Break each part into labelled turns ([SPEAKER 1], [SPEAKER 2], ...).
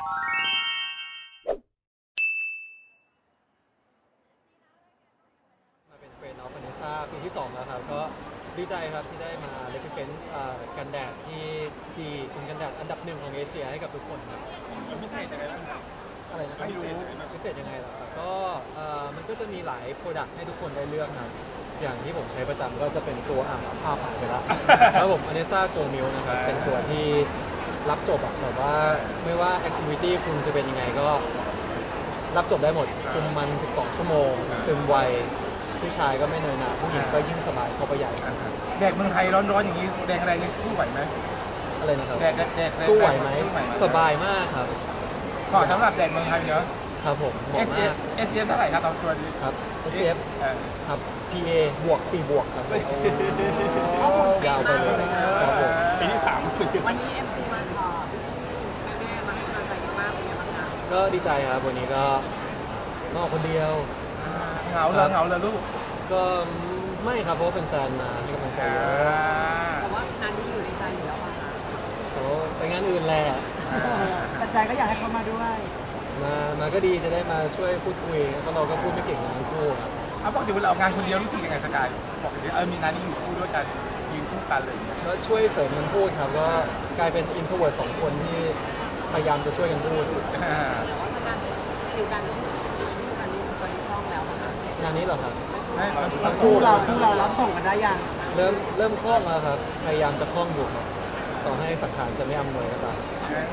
[SPEAKER 1] มาเป็นเฟรนด์ออฟเนซ่าปีที่2แล้วครับก็ดีใจครับที่ได้มาเลพิเซนต์กันแดดที่ดีเป็นกันแดดอันดับ1ของเอเชียให้กับทุกคนครับ
[SPEAKER 2] พิเศษยังไงบ้างครับ
[SPEAKER 1] อะไรนะครับ
[SPEAKER 2] ไม่รู้
[SPEAKER 1] พิเศษยังไงล่ะครับก็มันก็จะมีหลายโปรดักต์ให้ทุกคนได้เลือกครับอย่างที่ผมใช้ประจำก็จะเป็นตัวผ้าผ่านไปละแล้วผมอเนซ่าโกมิลนะครับเป็นตัวที่รับจบอะแบบว่าไม่ว่าแอคทิวิตี้คุณจะเป็นยังไงก็รับจบได้หมดคุมมัน12ชั่วโมงซึมไวผู้ชายก็ไม่เนินหนาผู้หญิงก็ยิ่งสบายเข้าไปใหญ่
[SPEAKER 3] แดดเมืองไทยร้อนๆอย่างนี้แดงอะไรนี่สู้ไหวไหม
[SPEAKER 1] อะไรนะครับ
[SPEAKER 3] แดด
[SPEAKER 1] สู้ไหวไหมสบายมากครับ
[SPEAKER 3] เหมาะสำหรับแดดเมืองไทยเนอะ
[SPEAKER 1] ครับผมเหมาะมาก
[SPEAKER 3] SPF เท่าไหร่ครับตอนตัวนี้
[SPEAKER 1] ครับ SPF ครับ PA บวก4บวกครับยาวไปเลยครับผม
[SPEAKER 2] ปีที่3
[SPEAKER 4] วันนี้ MC มาขอแม่มาให้กำลังใจเยอะมากเป็นยังไงบ้างคะ
[SPEAKER 1] ก็ดีใจครับวันนี้ก็มาออกคนเดียว
[SPEAKER 3] เหงาเลยลูก
[SPEAKER 1] ก็ไม่ครับเพราะว่าแฟนๆมาให้กำลังใจเยอะ
[SPEAKER 4] แต่ว่างานนี้อยู่ในใจอยู่แล้วป่ะคะ
[SPEAKER 1] แต่ว่าไปงานอื่นแหละ
[SPEAKER 5] แต่ใจก็อยากให้เขามาด้วย
[SPEAKER 1] มาก็ดีจะได้มาช่วยพูดคุยเพราะเราก็พูดไม่เก่งทั้งคู่ครับ
[SPEAKER 3] ปกติเวลาออกงานคนเดียวรู้สึกยังไงสกายปกติมีงานนี้อยู่คู่ด้วยกันยืนคู่กันเลย
[SPEAKER 1] ก็ช่วยเสริมกันพูดครับก็กลายเป็นอินโทรเวิร์ต2คนที่พยายามจะช่วยกันพูด
[SPEAKER 4] แต่ว่าการอยู่กันการนี้เคยคล่องแล้วนะคะ
[SPEAKER 1] งานนี้เหรอครับ
[SPEAKER 5] คู่เรารับส่งกันได้ยัง
[SPEAKER 1] เริ่มคล่องแล้วครับพยายามจะคล่องอยู่ครับต่อให้สังขารจะไม่อำนวยก็ตาม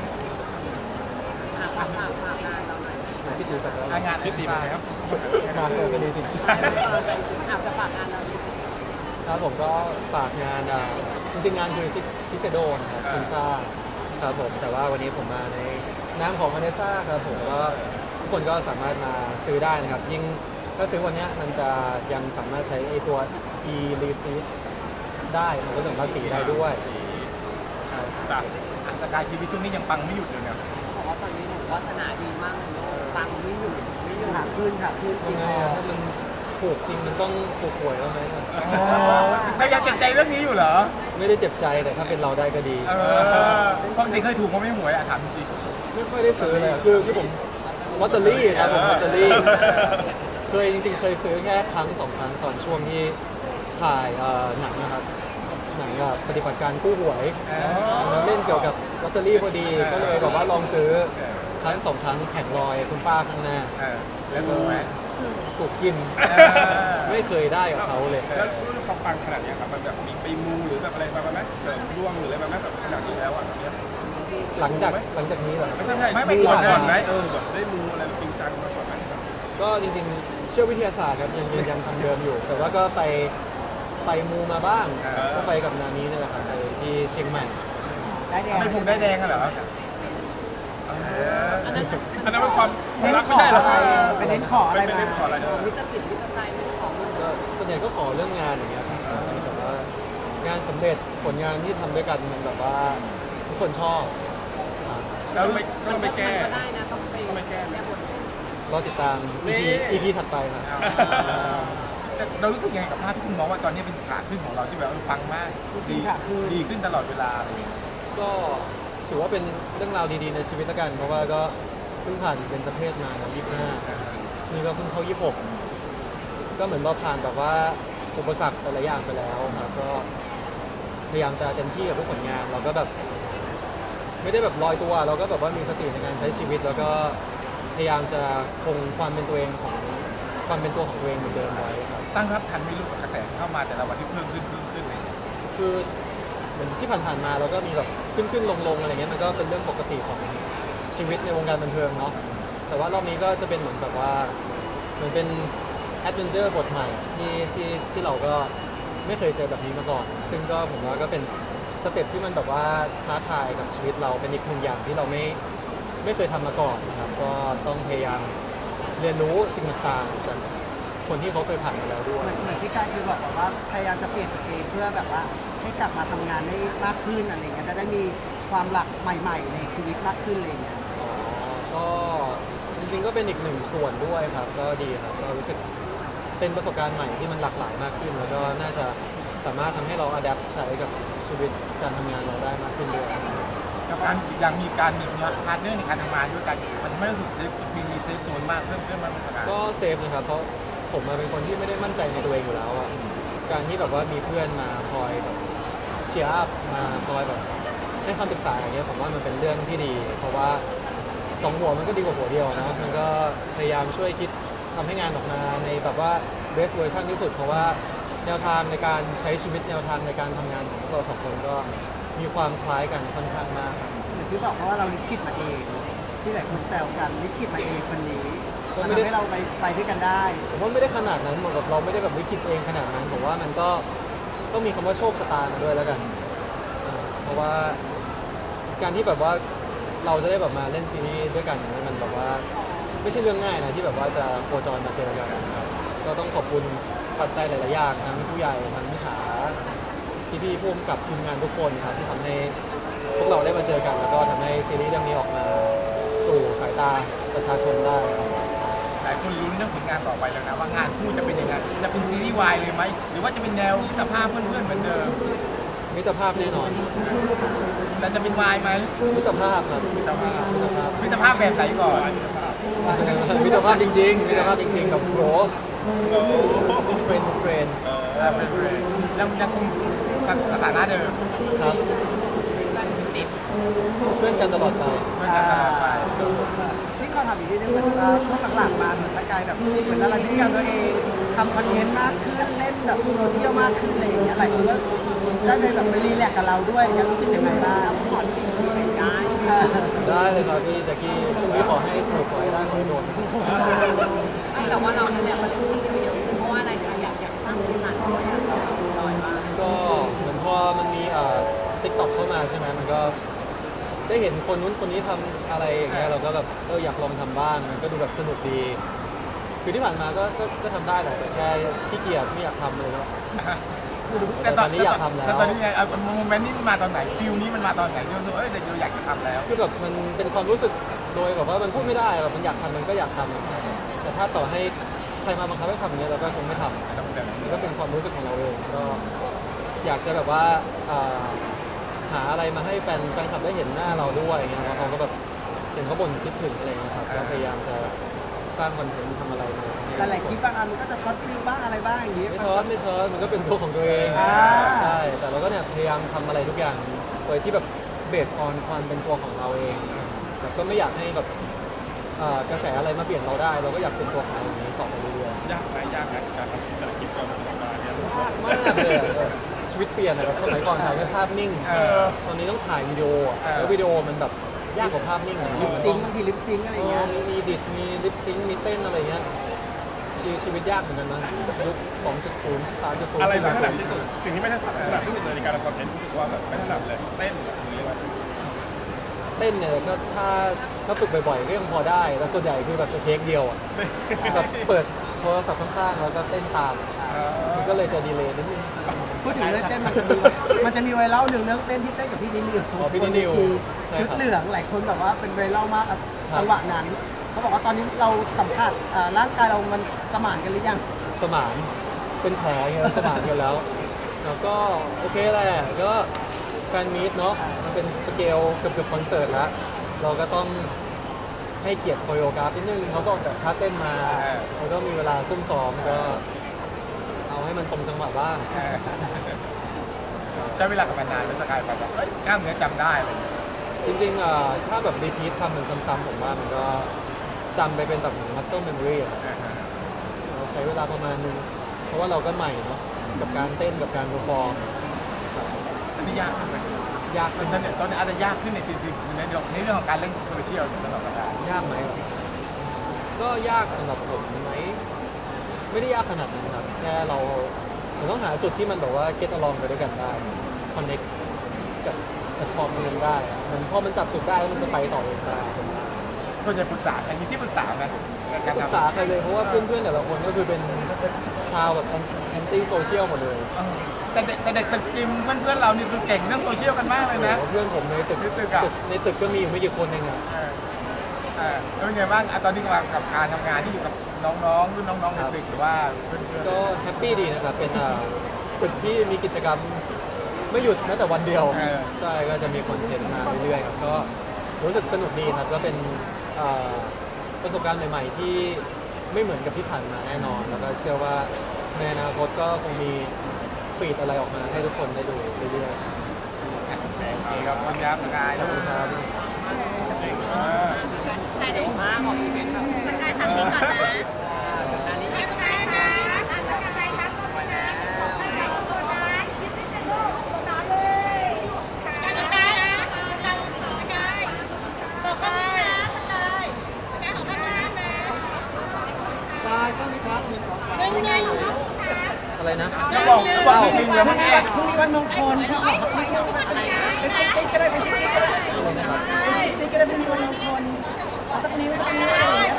[SPEAKER 4] ฝากงานเราหน่อย
[SPEAKER 1] พี่ตีแบบ
[SPEAKER 3] งานพี่ตีมาครับ
[SPEAKER 1] มาเจอกันดีจริงๆ
[SPEAKER 4] จะฝากงานเรา
[SPEAKER 1] ครับผมก็ฝากงานจริงๆงานคือชิเซโดนะครับพิซซ่าครับผมแต่ว่าวันนี้ผมมาในนามของอเนซ่าครับผมก็ทุกคนก็สามารถมาซื้อได้นะครับยิ่งถ้าซื้อวันนี้มันจะยังสามารถใช้ไอตัว e receipt ได้มันก็ถึงภาษีได้ด้วย
[SPEAKER 3] ใช่สกายชีวิตช่วงนี้ยังปังไม่หยุดเลยเนี่ย
[SPEAKER 4] บอกว่าตอนนี้หนูวาสนาดีมากปังไม่หยุด
[SPEAKER 5] หาขึ้น
[SPEAKER 1] ยังไงถ้ามันถูกจริงมันต้องถูกหวยแล้วไหม
[SPEAKER 3] แต่ยังเจ็บใจเรื่องนี้อยู่เหรอ
[SPEAKER 1] ไม่ได้เจ็บใจแต่ถ้าเป็นเราได้ก็ดี
[SPEAKER 3] ปกติเคยถูกเขาไม่หวยถามจริง
[SPEAKER 1] ไม่ค่อยได้ซื้อเลยคือผมลอตเตอรี่ครับผมลอตเตอรี่เคยจริงๆเคยซื้อแค่ครั้ง2 ครั้งตอนช่วงที่ถ่ายหนังนะครับหนังกับปฏิบัติการกู้หวยเล่นเกี่ยวกับลอตเตอรี่พอดีก็เลยแบบว่าลองซื้อครั้ง2 ครั้งแผงลอยคุณป้าข้างหน้า
[SPEAKER 3] แล้วถูกไหม
[SPEAKER 1] ถูกกินไม่เคยได้กับเขาเลย
[SPEAKER 2] แล้วรู้ความปังขนาดนี้ครับมันแบบมีไปมูหรือแบบอะไรมาไหมเสริมดวงหรืออะไรมาไหมแบบขนาดนี้แล้ว
[SPEAKER 1] หลังจากนี้เหรอ
[SPEAKER 2] ไม่ใช่ไม่ก่อนไหมแบบได้มูอะไรจริงจังมากกว่าไหม
[SPEAKER 1] ก็จริงๆเชื่อวิทยาศาสตร์ครับยังทำเดิมอยู่แต่ว่าก็ไปมูมาบ้างก็ไปกับนานี้นี่แหละครับไปที่เชียงใหม่
[SPEAKER 5] ได้แดง
[SPEAKER 3] ไม่ผูกได้แดงเหรอ
[SPEAKER 2] อันนั้นเป็นความรักไม่ใช่หรอ
[SPEAKER 5] เป็นเน้นขออะไรมา
[SPEAKER 4] วิตามินวิตาใจไม่ได้ขอ
[SPEAKER 1] ก็ส่วนใหญ่ก็ขอเรื่องงานอย่างเงี้ยแบบว่างานสำเร็จผลงานที่ทำด้วยกันมันแบบว่าทุกคนชอบ
[SPEAKER 2] แล้วไม่แก้
[SPEAKER 4] ก็ได้นะต้องไปแก้บท
[SPEAKER 1] รอติดตาม EP ถัดไปครับ
[SPEAKER 3] เรารู้สึกยังไงกับภาพที่คุณมองว่าตอนนี้เป็นขาขึ้นของเราที่แบบปังมากดีขึ้นตลอดเวลา
[SPEAKER 1] ก็ถือว่าเป็นเรื่องราวดีๆในชีวิตละกันเพราะว่าก็เพิ่งผ่านเป็นเจเพศมา25นี่ก็เพิ่งเข้า26ก็เหมือนเราผ่านแบบว่าอุปสรรคหลายอย่างไปแล้วครับก็พยายามจะเต็มที่กับทุกผลงานเราก็แบบไม่ได้แบบลอยตัวเราก็แบบว่ามีสติในการใช้ชีวิตแล้วก็พยายามจะคงความเป็นตัวเองของความเป็นตัวของตัวเองเหมือนเดิมไว้ครับ
[SPEAKER 3] ตั้งรับทันไม่รู้กับกระแสเข้ามาแต่ละวันที่เพิ่มขึ้นเลย
[SPEAKER 1] คือเหมือนที่ผ่านๆมาเราก็มีแบบขึ้นลงอะไรเงี้ยมันก็เป็นเรื่องปกติของชีวิตในวงการบันเทิงเนาะแต่ว่ารอบนี้ก็จะเป็นเหมือนแบบว่าเหมือนเป็นแอดเวนเจอร์บทใหม่ที่เราก็ไม่เคยเจอแบบนี้มาก่อนซึ่งก็ผมว่าก็เป็นสเต็ปที่มันแบบว่าท้าทายกับชีวิตเราเป็นอีกหนึ่งอย่างที่เราไม่เคยทำมาก่อนนะครับก็ต้องพยายามเรียนรู้สิ่งต่างๆจากคนที่เขาเคยผ่านมาแล้วด้วย
[SPEAKER 5] เหมือนที่การคือบอกว่าพยายามจะเปลี่ยนตัวเองเพื่อแบบว่าให้กลับมาทำงานได้มากขึ้นอะไรเงี้ยจะได้มีความหลักใหม่ๆในชีวิตมากขึ้นอะไรเงี้ย
[SPEAKER 1] ก็จริงๆก็เป็นอีกหนึ่งส่วนด้วยครับก็ดีครับก็รู้สึกเป็นประสบการณ์ใหม่ที่มันหลากหลายมากขึ้นแล้วก็น่าจะสามารถทำให้เราอัดแอปใช้กับชีวิตการทำงานเราได้มากขึ้นด้วย
[SPEAKER 3] แกับการยังมีการมีพาร์ทเนอร์ในการทำงานด้วยกันมันทำให้รู้สึกเซฟมีเซฟโซนมากเพิ่มมากเป็นสกาย
[SPEAKER 1] ก็เซฟนะครับเพราะผมมาเป็นคนที่ไม่ได้มั่นใจในตัวเองอยู่แล้วอะการที่แบบว่ามีเพื่อนมาคอยแบบเชียร์อัพมาคอยแบบให้คำปรึกษาอย่างเงี้ยผมว่ามันเป็นเรื่องที่ดี เพราะว่าสองหัวมันก็ดีกว่าหัวเดียวนะมันก็พยายามช่วยคิดทำให้งานออกมาในแบบว่า best version ที่สุด เพราะว่าแนวทางในการใช้ชีวิตแนวทางในการทำงานของพวกเราสองคนก็มีความคล้ายกันค่อนข้างมากครับ
[SPEAKER 5] อย่างที่บอกเพราะว่าเราลิขิตมาเอง ที่หลายคนแซวกันลิขิตมาเองคนนี้
[SPEAKER 1] ก็
[SPEAKER 5] มัน
[SPEAKER 1] ไม่ได้
[SPEAKER 5] ทำให้เราไปด้วยกันได้
[SPEAKER 1] ผมว่าไม่ได้ขนาดนั้นเหมือนกับเราไม่ได้แบบลิขิตเองขนาดนั้นผมว่ามันก็ต้องมีคำว่าโชคชะตามาด้วยแล้วกันเพราะว่าการที่แบบว่าเราจะได้แบบมาเล่นซีรีส์ด้วยกันเนี่ยมันแบบว่าไม่ใช่เรื่องง่ายนะที่แบบว่าจะโคจรมาเจอกันครับก็ต้องขอบคุณปัจจัยหลายๆอย่างทั้งผู้ใหญ่ทั้งผู้หาพี่ๆผู้กำกับทีมงานทุกคนครับที่ทำให้พวกเราได้มาเจอกัน แล้วก็ทำให้ซีรีส์เรื่องนี้ออกมาสู่สายตาประชาชนได้ครับ
[SPEAKER 3] หลายคนลุ้นเรื่องผลงานต่อไปแล้วนะว่างานคู่จะเป็นยังไงจะเป็นซีรีส์วายเลยไหมหรือว่าจะเป็นแนวมิตรภาพเพื่อนๆเหมือนเดิม
[SPEAKER 1] มิตรภาพแน่นอน
[SPEAKER 3] แต่จะเป็นวายไหม
[SPEAKER 1] มิตรภาพครับ
[SPEAKER 3] มิตรภาพ
[SPEAKER 1] มิตรภาพ
[SPEAKER 3] มิตรภาพแบบไหนก่อน
[SPEAKER 1] มิตรภาพจริงๆมิตรภาพจริงๆกับโรสเฟรนด์เฟรนด์
[SPEAKER 3] เป็นเรนยังคงสถานะเดิม
[SPEAKER 1] ครับเพื่อนกันตลอดไป
[SPEAKER 3] เพื่อนกันตลอดไป
[SPEAKER 5] ที่เขาทำอีกนิดนึงเหมือนว่าช่วงหลังๆมาเหมือนตะกายแบบเหมือนละลายพฤติกรรมตัวเองทำคอนเทนต์มากขึ้นเล่นแบบโซเชียลมากขึ้นอะไรอย่างเงี้ยหลายคนก็ได้ไปแบบมารีแลกซ์กับเราด้วยอย่างเงี้ยรู้สึกยังไงบ้างผ่อนไปได้
[SPEAKER 1] ได้เลยครับพี่แจ็คกี้พรุ่งนี้ขอให้ถูกขอให้ได้ขอให้โดน
[SPEAKER 4] ไม่แต่ว่าเราเนี่ยมันที่จะเยอะขึ้นเพราะว่าอะไรคะอยากสร้างพื้นฐานของเราอยากจะลอยว่า
[SPEAKER 1] ก็เหมือนพอมันมีติ๊กต็อกเข้ามาใช่ไหมมันก็ได้เห็นคนนู้นคนนี้ทำอะไรอย่างเงี้ยเราก็แบบอยากลองทำบ้างมันก็ดูแบบสนุกดีคือที่ผ่านมาก็ทำได้แหละแต่แค่ขี้เกียจไม่อยากทำเลยเนาะ แต่ตอนนี้อยากทำแล้ว
[SPEAKER 3] แต่ตอนนี้ไงโมเมนต์นี้มันมาตอนไหนฟิลนี้มันมาตอนไหนที่รู้สึกเด็กเราอยากจะทำแล้ว
[SPEAKER 1] คือแบบมันเป็นความรู้สึกโดยแบบว่ามันพูดไม่ได้แบบมันอยากทำมันก็อยากทำแต่ถ้าต่อให้ใครมาบังคับให้ทำอย่างเงี้ยเราก็คงไม่ทำมันก็เป็นความรู้สึกของเราเองก็อยากจะแบบว่าหาอะไรมาให้แฟนคลับได้เห็นหน้าเราด้วยอย่างเงี้ยแล้วเขาก็แบบเห็นเขาบ่นคิดถึงอะไรเงี้ยครับก็พยายามจะสร้างคอนเทนต์ทำอะไรมา
[SPEAKER 5] แต่หลายคลิปบางอันมันก็จะช็อตฟิลบ้างอะไรบ้างอย่างงี้
[SPEAKER 1] ไม่ช็อตมันก็เป็นตัวของตัวเอง
[SPEAKER 5] อ่า
[SPEAKER 1] ใช่แต่เราก็เนี่ยพยายามทำอะไรทุกอย่างโดยที่แบบเบสออนความเป็นตัวของเราเองแต่ก็ไม่อยากให้แบบกระแสอะไรมาเปลี่ยนเราได้ เราก็อยากเป็นตัวของเราอย่างนี้ต่อไปเรื่อย
[SPEAKER 2] ยากไหมการทำธุรกิจเราออกมาเนี่ย
[SPEAKER 1] ๆมากเลยอะชีวิตเปลี่ยนอะแบบสมัยก่อนถ่ายแค่ภาพนิ่ง ตอนนี้ต้องถ่ายวิดีโออะแล้ววิดีโอมันแบบยากกว่าภาพนิ่งอะ
[SPEAKER 5] ลิปซิงค์บางทีลิปซิงค์อะไรอย่างเงี้ย
[SPEAKER 1] มีดิดมีลิปซิงค์มีเต้นอะไรเงี้ยชีวิตยากเหมือนกันนะยุค 2.0 3.0
[SPEAKER 2] อะไรไม่ถนัดที่สุดสิ่งที่ไม่ถนัดที่สุดเลยในการทำคอนเทนต์รู้สึกว่าแบบไม่ถนัดเลยเต้นหรือว่า
[SPEAKER 1] เต้นเนี่ยก็ถ้าฝึกบ่อยๆก็ยังพอได้แต่ส่วนใหญ่คือแบบจะเทคเดียวอ่ะแบบเปิดโทรศัพท์ข้างๆแล้วก็เต้นตามมันก็เลยจะดีเลย์นิดนึง
[SPEAKER 5] พูดถึงเรื่องเต้นมันจะมีไวรัลหนึ่งเรื่องเต้นที่เต้นกับพี่นินิว
[SPEAKER 1] อ๋อพี่นินิวใช่ครับ
[SPEAKER 5] ชุดเหลืองหลายคนแบบว่าเป็นไวรัลมากอะ
[SPEAKER 1] ครับ
[SPEAKER 5] จังหวะนั้นเขาบอกว่าตอนนี้เราสัมผัสร่างกายเรามันสมานกันหรือยัง
[SPEAKER 1] สมานเป็นแผลไงสมานกันแล้วแล้วก็โอเคแหละก็แฟนมีตเนาะมันเป็นสเกลเกือบคอนเสิร์ตแล้วเราก็ต้องให้เกียรติโคโรกราฟนิดนึงเขาก็ออกแบบท่าเต้นมาแล้วก็มีเวลาซุ่มซ้อมก็เอาให้มันตรงจังหวะบ้าง
[SPEAKER 3] ใช้เวลากับมันนานเป็นสกายไปแบบกล้ามเนื้อจำได้เลย
[SPEAKER 1] จริงๆถ้าแบบรีพีททำมันซ้ำๆผมว่ามันก็จำไปเป็นแบบ muscle memory อะครับเราใช้เวลาประมาณนึงเพราะว่าเราก็ใหม่เนาะกับการเต้นกับการเพอร์ฟอร์มครับ
[SPEAKER 3] อันนี้ยากขึ้นไหม
[SPEAKER 1] ยากขึ้น
[SPEAKER 3] ตอนนี้อาจจะยากขึ้นในในเรื่องของการเล่นโซเชียลสำหรับสกาย
[SPEAKER 1] ยากไหมก็ยากสำหรับผมไหมไม่ได้ยากขนาดนั้นครับแค่เราต้องหาจุดที่มันแบบว่า get along ไปด้วยกันได้ connect กับแพลตฟอร์มนึงได้อะมันพอมันจับจุดได้แล้วมันจะไปต่อเองได้
[SPEAKER 3] ส่วนใหญ่ปรึกษาใครมีที่ปรึกษาไหมในการ
[SPEAKER 1] ปรึก
[SPEAKER 3] ทำ
[SPEAKER 1] ษาใครเลยเพราะว่าเพื่อนๆแต่ละคนก็คือเป็นชาวแบบแอนตี้โซเชียลหมดเลย
[SPEAKER 3] แต่เด็กตึกจิมเพื่อนเรานี่คือเก่งเรื่องโซเชียลกันมากเลยนะ
[SPEAKER 1] โอ้โหเพื่อนผมในตึก
[SPEAKER 3] ในตึกอะ
[SPEAKER 1] ในตึกก็มีอยู่ไม่กี่คนเองอะ
[SPEAKER 3] แล้วเป็นไงบ้างตอนนี้กับการทำงานที่อยู่กับน้องๆรุ่นน้องๆในตึกหรือว่าเพื่อนๆ
[SPEAKER 1] ก็แฮปปี้ดีนะครับเป็นตึกที่มีกิจกรรมไม่หยุดแม้แต่วันเดียว
[SPEAKER 3] เออ
[SPEAKER 1] ใช่ก็จะมีคอนเทนต์มาเรื่อยๆครับก็รู้สึกสนุกดีครับก็เป็นประสบการณ์ใหม่ๆที่ไม่เหมือนกับที่ผ่านมาแน่นอน แล้วก็เชื่อว่าในอนาคตก็คงมีฟีดอะไรออกมาให้ทุกคนได้ดูเรื่อยๆครับ
[SPEAKER 3] โอเคครับความยาวสกาย
[SPEAKER 1] ขอบคุณครับ
[SPEAKER 2] เก่งมาก
[SPEAKER 4] แต่เดี๋ยวมาขออีเวนต์ครับสกายทำนี้ก่อนนะอันนี้สกายนะสกายครับขอบคุณนะสกายขอบคุณนะยิ้มให้เป็นลูกสกายเลยสกายนะสกายสกายบอกกันนะสกายสกายของข้างล่างนะ
[SPEAKER 5] กายต้องนี้ครับ1 2 3
[SPEAKER 4] เป็นไงของข้างล่าง
[SPEAKER 1] อะไรนะ
[SPEAKER 3] จะบอกนิดนึงแล้วเมื่อกี้
[SPEAKER 5] พรุ่งนี้วันมงคลพี่ขอนิดนึงไปติ๊กก็ได้ไปติ๊กก็ได้
[SPEAKER 1] อะไรนะครับ
[SPEAKER 5] ติ๊กก็ได้พรุ่งนี้วันมงคลเอาสักนิ้วสักนิ้ว